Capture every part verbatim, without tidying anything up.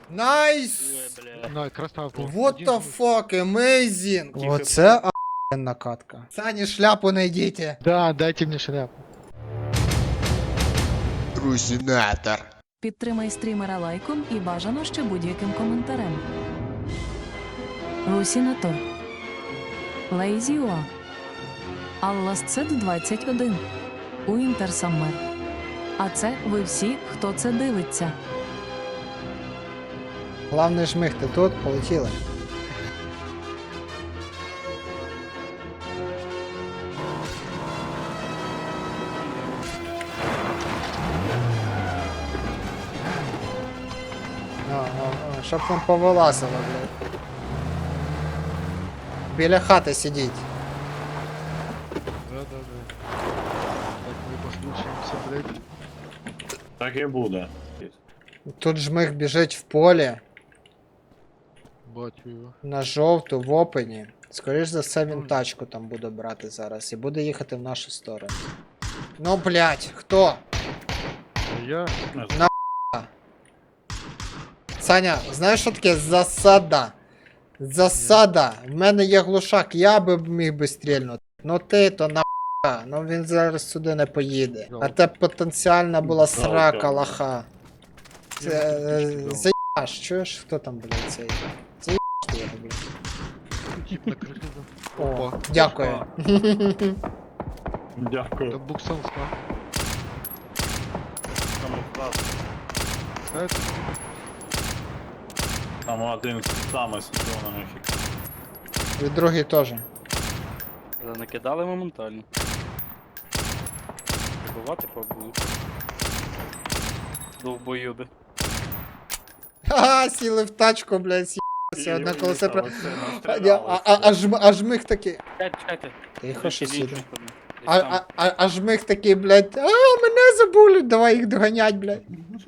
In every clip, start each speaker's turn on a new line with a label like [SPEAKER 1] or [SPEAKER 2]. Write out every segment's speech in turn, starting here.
[SPEAKER 1] Найс!
[SPEAKER 2] Ой, бля.
[SPEAKER 3] На, красавчик.
[SPEAKER 1] What
[SPEAKER 3] Один
[SPEAKER 1] the
[SPEAKER 3] жмых.
[SPEAKER 1] fuck, amazing!
[SPEAKER 2] Тихо.
[SPEAKER 1] Оце охуєнна катка. Сані, шляпу найдіть.
[SPEAKER 3] Да, дайте мне шляпу.
[SPEAKER 1] Трусінатор.
[SPEAKER 4] Підтримай стрімера лайком і бажано ще будь-яким коментарем. Русінатор. Лейзіуа. Алласцет двадцять один. Уінтер Саммер. А це ви всі, хто це дивиться.
[SPEAKER 1] Главний жмих, ти тут, полетіли. А, а, а, щоб там повилазило, блядь. Біля хати сидіть.
[SPEAKER 3] Да, да, да. Так мы послушаемся, блядь.
[SPEAKER 5] Так і буде.
[SPEAKER 1] Тут жмих біжить в полі,
[SPEAKER 3] Бачу его.
[SPEAKER 1] на жовту, в опені. Скоріш за все він тачку там буде брати зараз і буде їхати в нашу сторону. Ну, блядь, хто?
[SPEAKER 3] А я...
[SPEAKER 1] Саня, знаєш, що таке засада? Засада. В мене є глушак, я би міг би стрільнути. Ну ти то на ну він зараз сюди не поїде. А те потенціальна була срака лоха. Це, е, заїбаш, чуєш, хто там, блядь, цей? Заїбаш ти його, блядь.
[SPEAKER 3] Тип на крыше.
[SPEAKER 1] О,
[SPEAKER 3] Опа.
[SPEAKER 1] дякую.
[SPEAKER 3] Это
[SPEAKER 5] Дякую.
[SPEAKER 3] буксон спа.
[SPEAKER 5] Камуфлаж.
[SPEAKER 3] Это...
[SPEAKER 5] Там один саме з червоними фіксом.
[SPEAKER 1] І другий теж.
[SPEAKER 2] Накидали моментально. Прибувати побую. Довбойоби.
[SPEAKER 1] Ха-ха, сіли в тачку, блядь, с'їбався, одне колесо про... А, а, а, а, жм, а жмих такий...
[SPEAKER 2] Чекайте, чекайте.
[SPEAKER 1] Тихо, що
[SPEAKER 2] Десь
[SPEAKER 1] сіде.
[SPEAKER 2] інший ходить. Десь
[SPEAKER 1] А,
[SPEAKER 2] там.
[SPEAKER 1] а, а, а жмих такий, блядь, а, мене забули, давай їх доганять, блядь.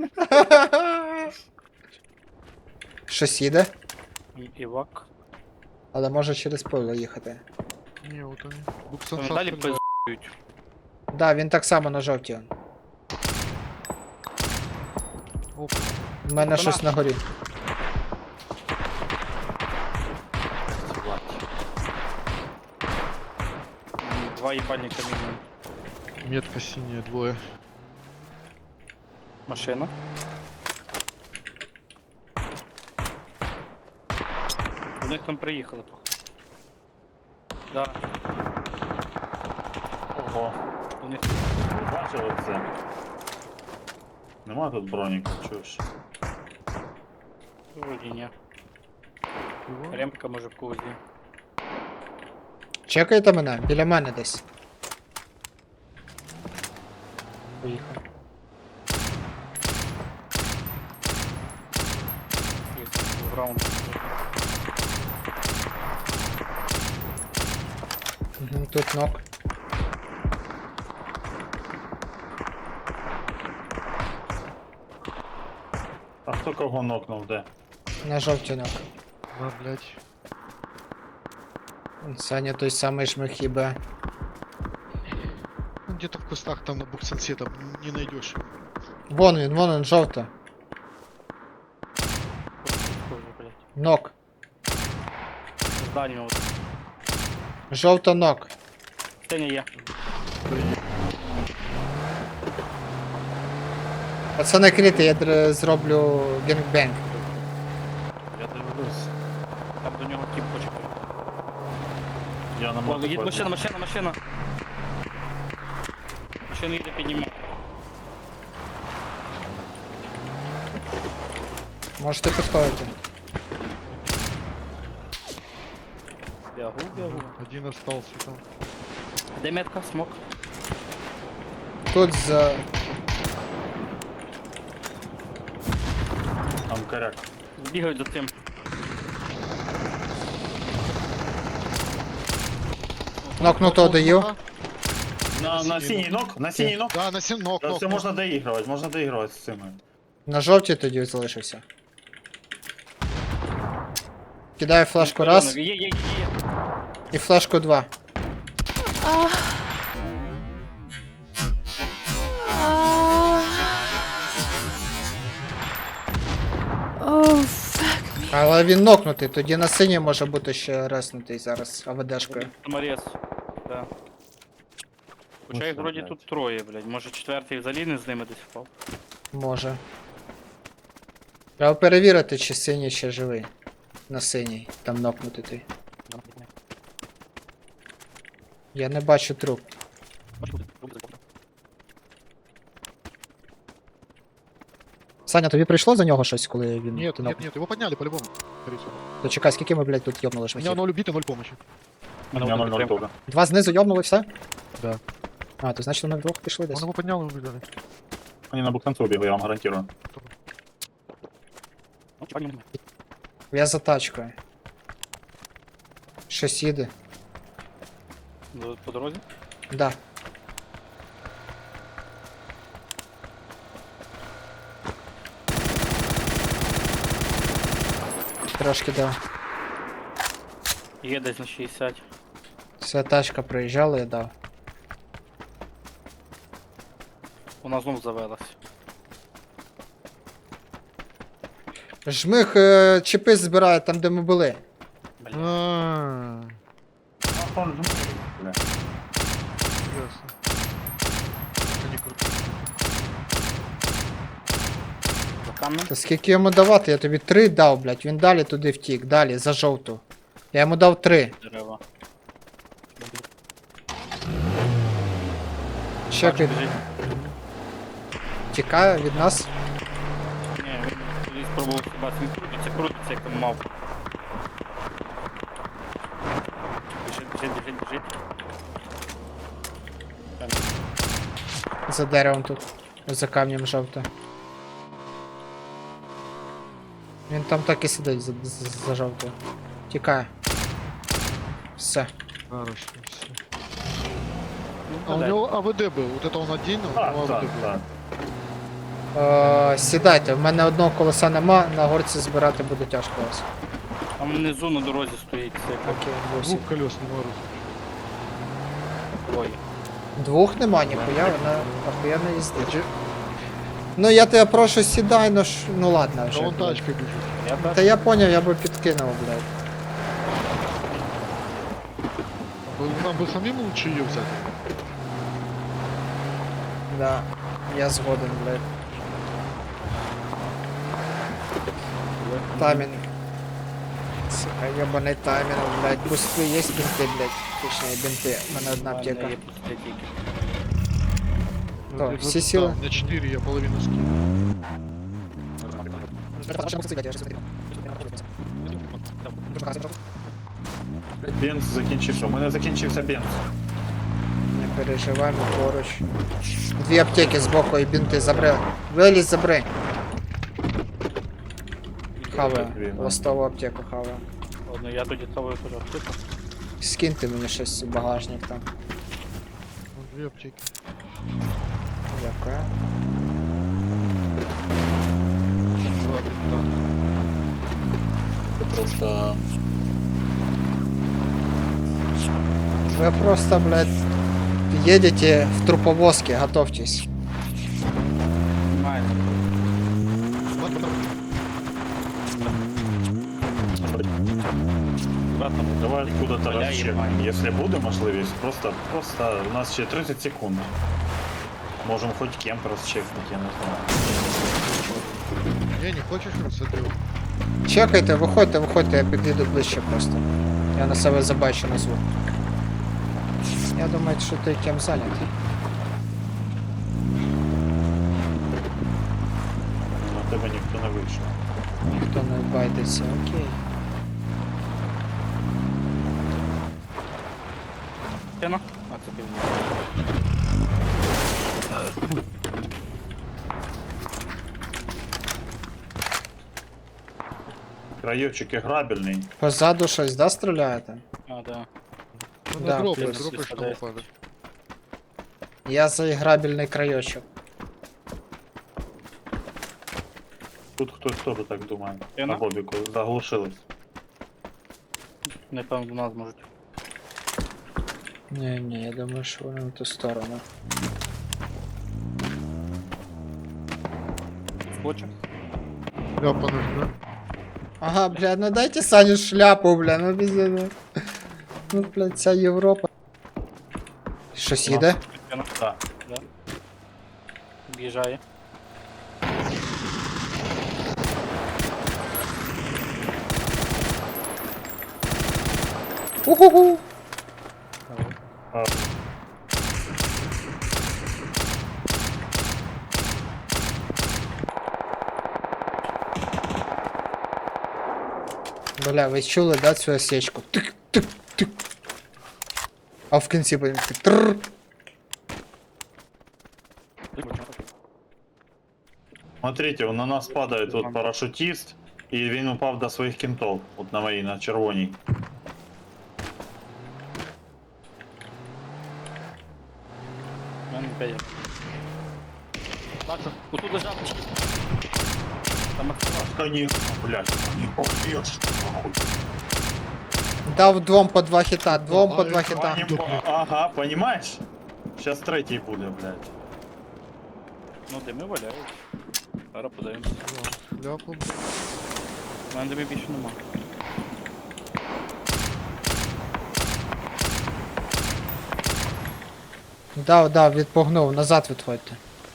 [SPEAKER 1] Щось їде,
[SPEAKER 2] І- Івак.
[SPEAKER 1] але може через поле їхати.
[SPEAKER 3] Не, вот они. Буксон
[SPEAKER 2] Вони
[SPEAKER 3] спа.
[SPEAKER 2] далі пиздують.
[SPEAKER 1] Да, він так само на жовтій.
[SPEAKER 3] Опа.
[SPEAKER 1] У мене
[SPEAKER 2] Та
[SPEAKER 1] щось
[SPEAKER 2] на.
[SPEAKER 1] на горі.
[SPEAKER 2] М, Два їбальника мінімум.
[SPEAKER 3] Метка синяя, двое.
[SPEAKER 2] Машина. До них там приїхали. походу. Да,
[SPEAKER 5] Ого.
[SPEAKER 2] до них.
[SPEAKER 5] Ви бачили це? Нема тут броніка, чуєш?
[SPEAKER 2] Вроді ні.
[SPEAKER 3] Его?
[SPEAKER 2] Ремка може в когось є.
[SPEAKER 1] Чекайте мене, біля мене десь. Поїхав.
[SPEAKER 2] Є, в раунд.
[SPEAKER 1] Угу, тут ног.
[SPEAKER 5] А хто кого нокнув, де?
[SPEAKER 1] На жовтій ног.
[SPEAKER 3] На, блядь.
[SPEAKER 1] Саня той самий жмих їбе.
[SPEAKER 3] Ну, где-то в кустах там на буксенсе там не найдешь.
[SPEAKER 1] Вон він, вон він, жовта.
[SPEAKER 2] Схоже, блядь.
[SPEAKER 1] Нок.
[SPEAKER 2] З дальнього.
[SPEAKER 1] Жовта нок.
[SPEAKER 2] Синя є.
[SPEAKER 1] Пацани крити, я др- зроблю генгбенг.
[SPEAKER 5] Я дивлюсь.
[SPEAKER 2] Там до нього тіп хоче.
[SPEAKER 5] Я на
[SPEAKER 2] Ладно, їде
[SPEAKER 5] мотоциклі.
[SPEAKER 2] машина, машина, машина. Машина їде піднімати.
[SPEAKER 1] Можете підходити.
[SPEAKER 2] Бягу, бягу.
[SPEAKER 3] Один остался там.
[SPEAKER 2] Де метка? Смок.
[SPEAKER 1] Тут за...
[SPEAKER 5] Там коряк.
[SPEAKER 2] Бігають за тим.
[SPEAKER 1] Нокнутого даю.
[SPEAKER 5] На, на синій нок, на синій нок.
[SPEAKER 3] Да, на син ног,
[SPEAKER 5] Да,
[SPEAKER 3] ног,
[SPEAKER 5] все
[SPEAKER 3] ног.
[SPEAKER 5] можна доігрувати, можна доігрувати з цими.
[SPEAKER 1] На жовтій тоді залишився. Кидаю флешку раз
[SPEAKER 2] Є, є, є, є.
[SPEAKER 1] і флешку два.
[SPEAKER 6] Oh,
[SPEAKER 1] Але він нокнутий, тоді на синій може бути ще реснутий зараз АВДшкою.
[SPEAKER 2] Саморез. Да. Хоча їх
[SPEAKER 5] все,
[SPEAKER 2] вроді
[SPEAKER 5] блядь.
[SPEAKER 2] тут троє, блядь. Може четвертий взагалі не з ними десь впав.
[SPEAKER 1] Може. Треба перевірити, чи синій ще живий. На синій, там нокнутий той. Я не бачу труп. Саня, тобі прийшло за нього щось, коли він.
[SPEAKER 3] Нет,
[SPEAKER 1] ти
[SPEAKER 3] нет,
[SPEAKER 1] нокнув?
[SPEAKER 3] нет, его подняли по-любому. скорее всего.
[SPEAKER 1] То чекай, скільки ми, блядь, тут йобнули
[SPEAKER 3] У меня
[SPEAKER 1] шмахів?
[SPEAKER 3] ноль убито, ноль помощи.
[SPEAKER 5] У
[SPEAKER 2] Мене
[SPEAKER 5] меня
[SPEAKER 2] одна
[SPEAKER 5] ноль ноль
[SPEAKER 2] підтримка.
[SPEAKER 5] тоже.
[SPEAKER 1] Два знизу йобнули все?
[SPEAKER 3] Да.
[SPEAKER 1] А, то значить вони вдвох пішли
[SPEAKER 3] Он
[SPEAKER 1] десь.
[SPEAKER 3] его поднял и убежали.
[SPEAKER 5] Они на бухтанцу убегли, я вам гарантирую.
[SPEAKER 2] Ну, чекай, ні, ні.
[SPEAKER 1] Я за тачкою. Щось їде.
[SPEAKER 2] До- По дорозі?
[SPEAKER 1] Да. Трошки дав.
[SPEAKER 2] Є десь на шістдесят.
[SPEAKER 1] Вся тачка проїжджала і дав.
[SPEAKER 2] Вона знов завелась.
[SPEAKER 1] Жмих е, чіпи збирає там, де ми були.
[SPEAKER 2] Бля.
[SPEAKER 3] А,
[SPEAKER 5] Бля.
[SPEAKER 3] ясно. Они крутые.
[SPEAKER 2] За камнем.
[SPEAKER 1] Та скільки йому давати? Я тобі три дав, блядь. Він далі туди втік, далі, за жовту. Я йому дав три.
[SPEAKER 2] Дерева.
[SPEAKER 1] Чекай,
[SPEAKER 2] Біжить.
[SPEAKER 1] тікає від нас.
[SPEAKER 2] Ні, він спробував хіба він крутиться, крутиться, як там мав. Біжить, біжить, біжить, біжить. Там.
[SPEAKER 1] За деревом тут. За камнем жовто. Він там так і сидить за, за, за жовтою. Тікає. Все.
[SPEAKER 3] Хорошо, все.
[SPEAKER 2] Ну,
[SPEAKER 3] А у
[SPEAKER 2] подай.
[SPEAKER 3] него АВД был. Вот это он один, а у
[SPEAKER 5] Так,
[SPEAKER 3] него
[SPEAKER 5] так,
[SPEAKER 3] АВД был.
[SPEAKER 5] так.
[SPEAKER 1] Е, сідайте, в мене одного колеса нема, на горці збирати буде тяжко вас.
[SPEAKER 2] Там внизу на дорозі стоїть це як
[SPEAKER 1] Окей, восім.
[SPEAKER 3] Двух колес не может.
[SPEAKER 2] двоє.
[SPEAKER 1] Двох нема, ніхуя, вона охуєнно їздить. Ну я тебе прошу, сідай, ну ж. Ну ладно
[SPEAKER 3] А
[SPEAKER 1] вже.
[SPEAKER 3] он
[SPEAKER 1] блядь.
[SPEAKER 3] тачкой бежит.
[SPEAKER 2] Я
[SPEAKER 1] Та я поняв, я би підкинув, блядь.
[SPEAKER 3] Бы- Нам бы самим лучше ее взять.
[SPEAKER 1] Да, я згоден, блядь. Таймінг. Сука, ебаний таймінг, блядь. Бусти є бінти, блядь. Точніше, бінти. У мене одна аптека.
[SPEAKER 2] є пусті тільки.
[SPEAKER 1] Да,
[SPEAKER 3] Вот
[SPEAKER 1] все
[SPEAKER 3] это
[SPEAKER 1] силы.
[SPEAKER 3] да, У меня четыре, я половину скину.
[SPEAKER 5] Бенз закінчився. У мене закінчився бенз.
[SPEAKER 1] Не переживай, ми поруч. Дві аптеки збоку і бінти забри. Вилізь, забри. Хаваю.
[SPEAKER 5] Дві, да.
[SPEAKER 1] Ластову аптеку хаваю.
[SPEAKER 2] Ладно, я тоді того теж аптеку.
[SPEAKER 1] Скиньте мені щось в багажник там.
[SPEAKER 3] Вон две аптеки.
[SPEAKER 1] Дякую.
[SPEAKER 3] Два бинта.
[SPEAKER 5] Просто...
[SPEAKER 1] Вы просто, блядь, едете в труповозке, готовьтесь.
[SPEAKER 2] Нормально. Обратно.
[SPEAKER 5] Давай куда-то
[SPEAKER 2] Бля,
[SPEAKER 5] розчекаємо.
[SPEAKER 2] єбать.
[SPEAKER 5] Якщо буде можливість, просто, просто у нас ще тридцять секунд. Можемо хоч кемп розчекнути, я не знаю.
[SPEAKER 3] Не, не хочешь рассадил?
[SPEAKER 1] Чекайте, виходьте, виходьте, я підійду ближче просто. Я на себе забачу на звук. Я думаю, що ти ким зайнятий.
[SPEAKER 5] На тебе ніхто не вийшов.
[SPEAKER 1] Ніхто не байдеться, окей.
[SPEAKER 2] Тяно? А, це ти мені.
[SPEAKER 5] Краєвчик грабельний.
[SPEAKER 1] Позаду щось, да, стріляєте?
[SPEAKER 2] А, да.
[SPEAKER 3] Ну,
[SPEAKER 1] Да,
[SPEAKER 3] да, дропай,
[SPEAKER 1] плюс
[SPEAKER 3] дропай, что
[SPEAKER 2] сюда.
[SPEAKER 3] упадет.
[SPEAKER 1] Я за іграбельний крайочок.
[SPEAKER 5] Тут хтось теж так думає.
[SPEAKER 2] Я
[SPEAKER 5] На
[SPEAKER 2] на-
[SPEAKER 5] бобіку заглушились.
[SPEAKER 2] Напевно, до нас можуть.
[SPEAKER 1] Ні, ні, я думаю, що вони на ту сторону.
[SPEAKER 2] Хоче?
[SPEAKER 3] Ляпануть, да?
[SPEAKER 1] Ага, бля, ну дайте Саню шляпу, бля, ну без ну. Ну, блядь, ця Європа. Щось їде?
[SPEAKER 5] Да.
[SPEAKER 2] Да. Об'їжджає.
[SPEAKER 1] Уху-ху!
[SPEAKER 5] А,
[SPEAKER 1] Бля, ви чули, да, цю осечку? Тик, тик, тик. А в кінці потім так трррр.
[SPEAKER 5] Смотрите, на нас падает вот парашютист, і він упав до своїх кінтов. От на моїй, на червоній.
[SPEAKER 2] У мене п'ять. Бачу, отут лежав. Там активаш.
[SPEAKER 5] Конечно, блядь, не побьешь.
[SPEAKER 1] Дав двом по два хіта, двом по два хіта.
[SPEAKER 5] Поним- Ага, понимаешь? Сейчас третій буде, блядь.
[SPEAKER 2] Ну, дими валяють. Зараз подивимося.
[SPEAKER 3] Ляпом.
[SPEAKER 2] У мене дими більше нема.
[SPEAKER 1] Дав, дав, відпугнув, назад відходьте.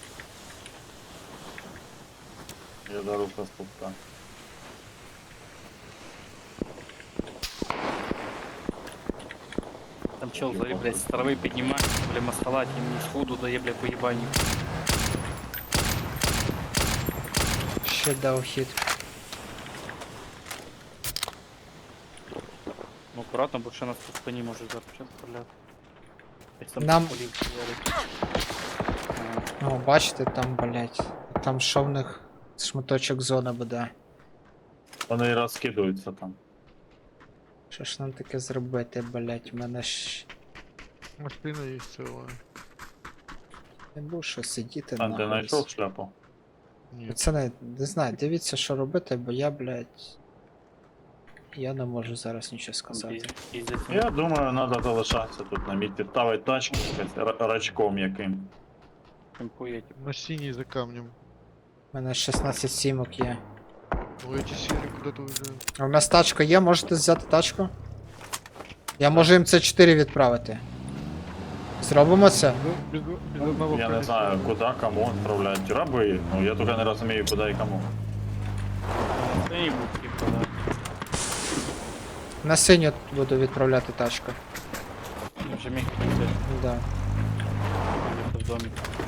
[SPEAKER 5] Я дару поступка.
[SPEAKER 2] Там чел, смотри, блядь, с травы поднимается, бля, маскалать, и мне сходу дає, бля, по ебанию.
[SPEAKER 1] Ще дав хід.
[SPEAKER 2] Ну, аккуратно, бо ще нас по спині може зараз почати стріляти. Десь там
[SPEAKER 1] Нам-
[SPEAKER 2] полів стріляли. Ага.
[SPEAKER 1] Ну, бачите, там, блять. Там що в них шматочок зони буде.
[SPEAKER 5] Вони і розкидаються там.
[SPEAKER 1] Що ж нам таке зробити, блять, у мене ж
[SPEAKER 3] Машина є ціла.
[SPEAKER 1] не був що сидіти
[SPEAKER 5] А ти
[SPEAKER 1] нахуй.
[SPEAKER 5] знайшов шляпу?
[SPEAKER 3] Ні.
[SPEAKER 1] Пацани, не знаю, дивіться, що робити, бо я, блять. Я не можу зараз нічого сказати.
[SPEAKER 2] Піз- піздець.
[SPEAKER 5] Я думаю, треба залишатися тут на місці, ставити тачку якось ра- рачком яким.
[SPEAKER 2] Кемпує, типу.
[SPEAKER 3] На синій за камнем.
[SPEAKER 1] У мене шістнадцять сімок є.
[SPEAKER 3] Ой, эти сірі куди-то вже.
[SPEAKER 1] А у нас тачка є, можете взяти тачку? Я можу їм це чотири відправити. Зробимо це?
[SPEAKER 3] Без, без, без одного
[SPEAKER 5] Я не
[SPEAKER 3] колеса.
[SPEAKER 5] знаю, куди, кому відправляють раби. Ну я тільки не розумію, куди і кому.
[SPEAKER 2] Це не був, типу, да.
[SPEAKER 1] На синю буду відправляти тачку.
[SPEAKER 2] Я вже міг прийти,
[SPEAKER 1] Да.
[SPEAKER 2] в домі.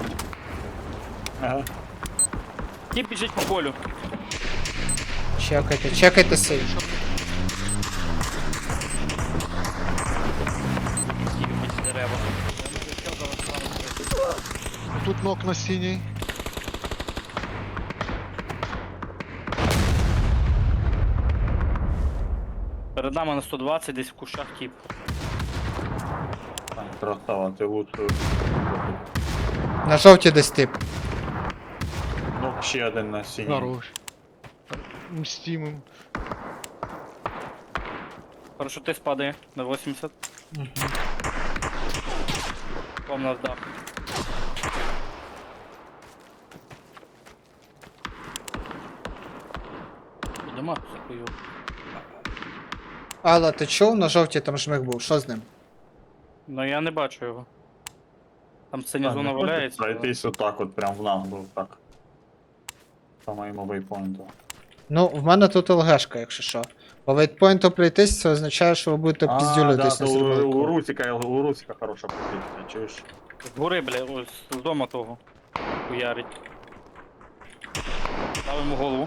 [SPEAKER 5] Ага.
[SPEAKER 2] Тіп біжить по полю.
[SPEAKER 1] Чекайте, чекайте синю.
[SPEAKER 2] Тіп біжить дерева.
[SPEAKER 3] Тут ног на синій.
[SPEAKER 2] Перед нами на сто двадцять, десь в кущах тіп.
[SPEAKER 5] Ай, красава, ти лучше.
[SPEAKER 1] На жовті десь тип.
[SPEAKER 5] Ну, ще один на синій.
[SPEAKER 3] Хорош. Мстимым.
[SPEAKER 2] Парашутист падає на вісімдесят.
[SPEAKER 1] Угу.
[SPEAKER 2] Пом нас дах. Нема хуйов.
[SPEAKER 1] Алла, ти чув? На жовті там жмих був. Що з ним?
[SPEAKER 2] Ну я не бачу його. Там синя
[SPEAKER 5] Так,
[SPEAKER 2] зона
[SPEAKER 5] не
[SPEAKER 2] валяється.
[SPEAKER 5] хочеться пройтись отак от прям в наглу, так. По моєму вейпоінту.
[SPEAKER 1] Ну, в мене тут ЛГшка, якщо що. По вейтпойнту пройтись, це означає, що ви будете
[SPEAKER 5] А,
[SPEAKER 1] піздюлитись
[SPEAKER 5] да,
[SPEAKER 1] на
[SPEAKER 5] то у, у
[SPEAKER 1] стрілку.
[SPEAKER 5] Русика, у Русика хороша позиція, чуєш?
[SPEAKER 2] З гори, бля, ось з дома того. Хуярить. Ставимо голову.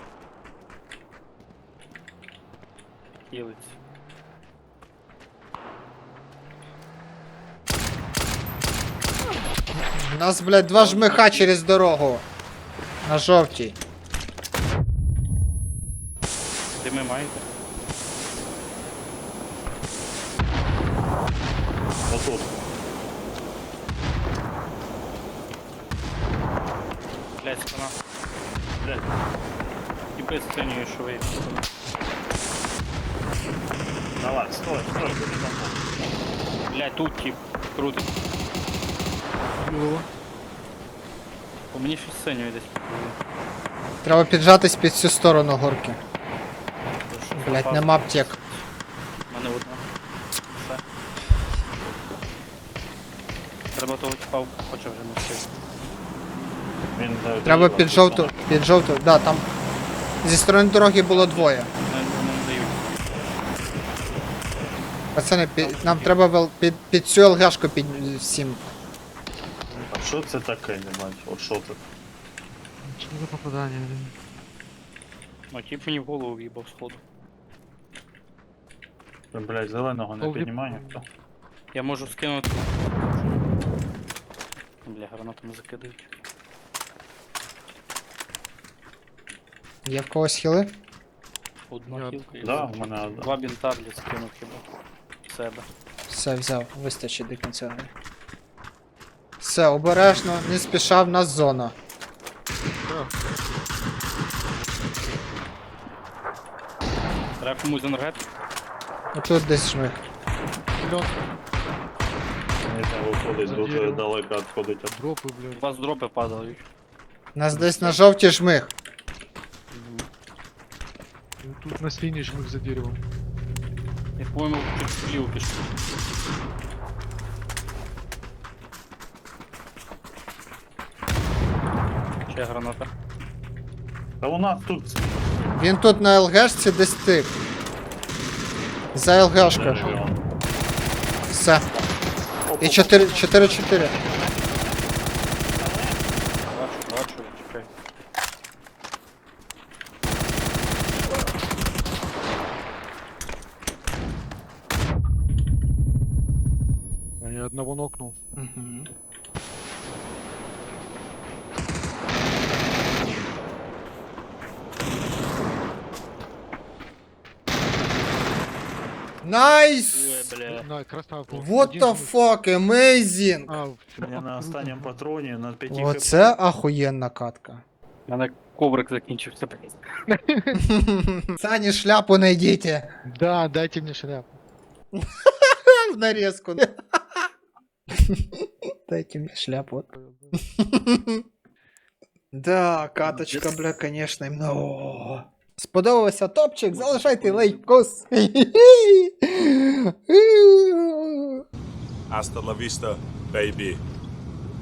[SPEAKER 2] Хілиться.
[SPEAKER 1] У нас, блядь, два жмиха через дорогу. На жовтій.
[SPEAKER 2] Дими маєте?
[SPEAKER 5] Отут.
[SPEAKER 2] Блять, спина.
[SPEAKER 5] Блядь.
[SPEAKER 2] І без синьої, що ви.
[SPEAKER 5] Давай, стой, стой, куди там?
[SPEAKER 2] Блять, тут тип. Крутить.
[SPEAKER 3] Білого.
[SPEAKER 2] По мені щось синьої десь.
[SPEAKER 1] Треба піджатись під цю сторону горки. Блять,
[SPEAKER 2] запас.
[SPEAKER 1] нема аптек.
[SPEAKER 2] У мене одна. Все. Треба того типа, хоча вже не встиг.
[SPEAKER 5] Він, е,
[SPEAKER 1] Треба
[SPEAKER 5] доріг,
[SPEAKER 1] під
[SPEAKER 5] тут
[SPEAKER 1] жовту,
[SPEAKER 5] саме.
[SPEAKER 1] під жовту, да, там. Зі сторони дороги було двоє.
[SPEAKER 2] Не, не, не дають.
[SPEAKER 1] Пацани, під, нам треба вел- під, під цю ЛГшку під всім.
[SPEAKER 5] А що це таке, не бачу? От що це?
[SPEAKER 3] Что за попадание, блин?
[SPEAKER 2] Ну, тип мені в голову в'їбав сходу.
[SPEAKER 5] Ви, блядь, зеленого не
[SPEAKER 3] Повліп-
[SPEAKER 5] піднімає ніхто?
[SPEAKER 2] Я можу скинути. Бля, гранатами закидають.
[SPEAKER 1] Є в когось хіли?
[SPEAKER 2] Одна
[SPEAKER 3] Я-
[SPEAKER 2] хілка і
[SPEAKER 5] Да, в мене одна.
[SPEAKER 2] два бінта, блядь, скинув хіба. Себе.
[SPEAKER 1] Все, взяв, вистачить до кінця. Все, обережно, не спіша, в нас зона.
[SPEAKER 3] Да.
[SPEAKER 2] Треба комусь енергетик.
[SPEAKER 1] Отут десь жмих.
[SPEAKER 3] Блин,
[SPEAKER 5] Не знаю, виходить,
[SPEAKER 3] За
[SPEAKER 5] дуже
[SPEAKER 3] деревом.
[SPEAKER 5] далеко відходить.
[SPEAKER 3] дропы,
[SPEAKER 2] У
[SPEAKER 3] блядь.
[SPEAKER 2] вас дропи падають.
[SPEAKER 1] Нас десь на жовті жмих.
[SPEAKER 3] И тут на синий жмых за деревом.
[SPEAKER 2] Я, по-моєму, чуть вліво пішов. Ще граната.
[SPEAKER 5] Та у нас тут
[SPEAKER 1] Він тут на ЛГшці десь тип. За ЛГшкою.
[SPEAKER 5] дерево.
[SPEAKER 1] Все. І чотири чотири.
[SPEAKER 2] Бачу, бачу, чекай.
[SPEAKER 3] Я одного нокнул.
[SPEAKER 1] Угу. Найс!
[SPEAKER 2] Ой, бля.
[SPEAKER 3] На, красавку.
[SPEAKER 1] What
[SPEAKER 3] Один
[SPEAKER 1] the
[SPEAKER 3] жмых.
[SPEAKER 1] fuck, amazing!
[SPEAKER 3] А,
[SPEAKER 5] Я на останньому патроні на п'яти
[SPEAKER 1] Оце ахуєнна катка.
[SPEAKER 2] У мене коврик закінчився.
[SPEAKER 1] Сані, шляпу найдіть.
[SPEAKER 3] Да, дайте мне шляпу.
[SPEAKER 1] В нарезку. Дайте мне шляпу. Да, каточка, бля, конечно, іменно. Сподобався топчик, залишайте лайкос.
[SPEAKER 6] Hasta la vista, baby.